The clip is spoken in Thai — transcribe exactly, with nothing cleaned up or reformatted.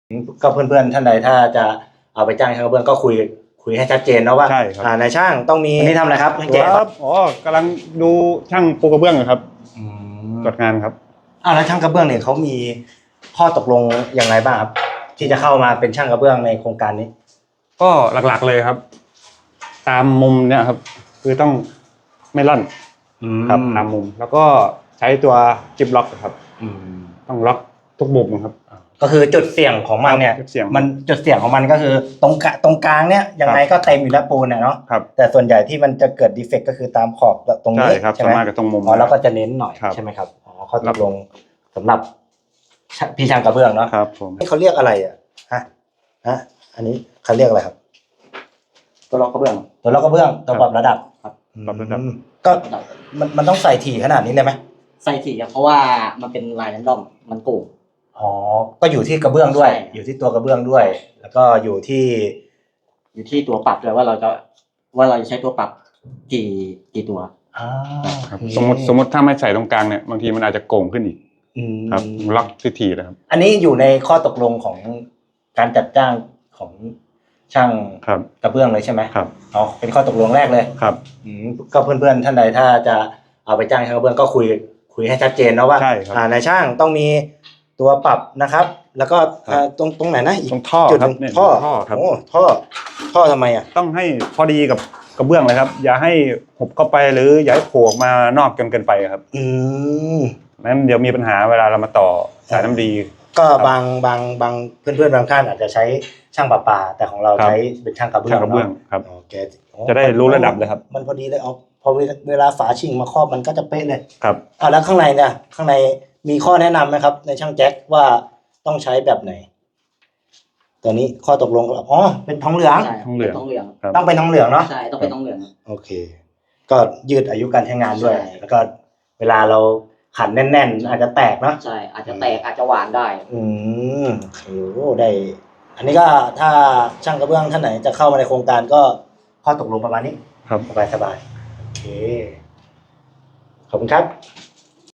ก็เพื่อนๆท่านใดถ้าจะเอาไปจ้างช่างกระเบื้องก็คุยคุยให้ชัดเจนนะว่าใช่ครับนายช่างต้องมีนี่ทำอะไรครับช่างเจครับอ๋อกำลังดูช่างปูกระเบื้องครับตรวจงานครับอ้าวแล้วช่างกระเบื้องเนี่ยเขามีข้อตกลงอย่างไรบ้างครับที่จะเข้ามาเป็นช่างกระเบื้องในโครงการนี้ก็หลักๆเลยครับตามมุมเนี่ยครับคือต้องไม่ลั่นครับตามมุมแล้วก็ใช้ตัวจิบล็อกครับต้องล็อกทุกมุมครับก็คือจุดเสี่ยงของมันเนี่ยมันจุดเสี่ยงของมันก็คือตรงตรงกลางเนี่ยยังไงก็เต็มอยู่แล้วปูนเนาะแต่ส่วนใหญ่ที่มันจะเกิดดีเฟกต์ก็คือตามขอบตรงนี้ใช่ไหมกับตรงมุมอ๋อแล้วก็จะเน้นหน่อยใช่ไหมครับอ๋อเขาตกลงสำหรับพี่ช่างกระเบื้องเนาะครับผมนี่เขาเรียกอะไรอ่ะฮะฮะอันนี้เขาเรียกอะไรครับตัวล็อกกระเบื้องตัวล็อกกระเบื้องตัวปรับระดับครับปรับระดับก็มันมันต้องใส่ถี่ขนาดนี้เลยไหมใส่ถี่เพราะว่ามันเป็นลายแรนดอมมันโก่งอ๋อก็อยู่ที่กระเบื้องด้วยอยู่ที่ตัวกระเบื้องด้วยแล้วก็อยู่ที่อยู่ที่ตัวปรับด้วยว่าเราจะว่าเราจะใช้ตัวปรับกี่กี่ตัวอ่าสมมติสมมติถ้าไม่ใส่ตรงกลางเนี่ยบางทีมันอาจจะโก่งขึ้นอีกครับล็อกถี่ๆนะครับอันนี้อยู่ในข้อตกลงของการจัดจ้างของช่างกระเบื้องเลยใช่ไหมครับอ๋อเป็นข้อตกลงแรกเลยครับก็เพื่อนๆท่านใดถ้าจะเอาไปจ้างช่างกระเบื้องก็คุยคุยให้ชัดเจนนะว่าอ่านายช่างต้องมีตัวปรับนะครับแล้วก็ตรงตรงไหนนะตรงท่อครับท่อครับโอ้ท่อท่อทำไมอ่ะต้องให้พอดีกับกระเบื้องเลยครับอย่าให้หบเข้าไปหรืออย่าให้โผล่ออกมานอกจนเกินไปครับอืมนั้นเดี๋ยวมีปัญหาเวลาเรามาต่อสายน้ำดีก็บางบางบางเพื่อนๆบางท่านอาจจะใช้ช่างประปาแต่ของเราใช้เป็นช่างกระเบื้องกระเบื้องครับโอเคจะได้รู้ระดับเลยครับมันพอดีเลยเอาพอเวลาฝาชิงมาครอบมันก็จะเป๊ะเลยครับอ่าแล้วข้างในเนี่ยข้างในมีข้อแนะนำไหมครับในช่างแจ็คว่าต้องใช้แบบไหนตัวนี้ข้อตกลงอ๋อเป็นทองเหลืองทองเหลืองทองเหลืองต้องเป็นทองเหลืองเนาะใช่ต้องเป็นทองเหลืองโอเคก็ยืดอายุการใช้งานด้วยแล้วก็เวลาเราขันแน่นๆอาจจะแตกเนาะใช่อาจจะแตกอาจจะหวานได้อืมโอ้โหได้อันนี้ก็ถ้าช่างกระเบื้องท่านไหนจะเข้ามาในโครงการก็ข้อตกลงประมาณนี้ครับสบายๆโอเคขอบคุณครับ